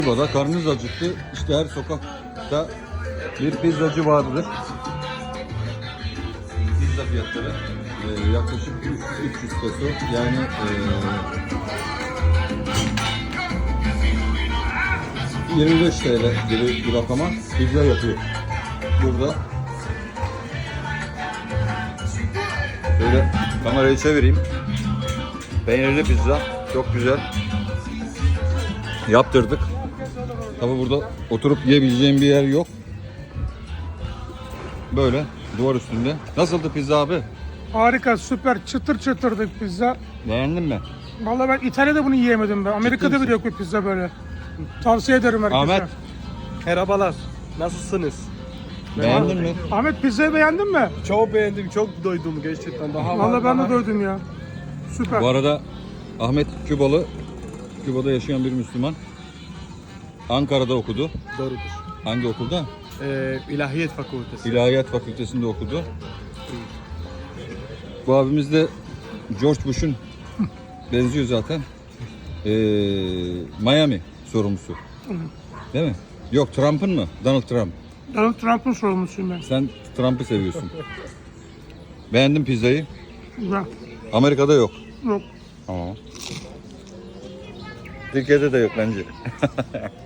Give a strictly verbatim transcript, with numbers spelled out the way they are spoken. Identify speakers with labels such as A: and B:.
A: Burada karnınız acıktı. İşte her sokakta bir pizzacı vardır. Pizza fiyatları e, yaklaşık üç yüz peso. Yani e, yirmi beş T L gibi bir rakama pizza yapıyor. Burada şöyle kamerayı çevireyim. Peynirli pizza çok güzel. Yaptırdık. Tabi burada oturup yiyebileceğim bir yer yok. Böyle duvar üstünde. Nasıldı pizza abi?
B: Harika, süper, çıtır çıtırdı pizza.
A: Beğendin mi?
B: Vallahi ben İtalya'da bunu yiyemedim ben. Amerika'da
A: misin?
B: bile yok bir pizza böyle. Tavsiye ederim herkese.
A: Ahmet,
C: Merhabalar. Nasılsınız?
A: beğendin mi?
B: Ahmet pizzayı beğendin mi?
C: Çok beğendim, çok doydum gerçekten. Daha
B: Vallahi ben
C: daha-
B: de doydum ya. Süper.
A: Bu arada Ahmet Kübalı, Küba'da yaşayan bir Müslüman. Ankara'da okudu.
C: Doğrudur.
A: Hangi okulda?
C: Ee, İlahiyat Fakültesi.
A: İlahiyat Fakültesinde okudu. Bu abimiz de George Bush'un benziyor zaten. Ee, Miami sorumlusu. Değil mi? Yok, Trump'ın mı? Donald Trump.
B: Donald Trump'ın sorumlusuyum ben.
A: Sen Trump'ı seviyorsun. Beğendim pizzayı.
B: Güzel.
A: Amerika'da yok.
B: Yok.
A: Tamam. Türkiye'de de yok bence.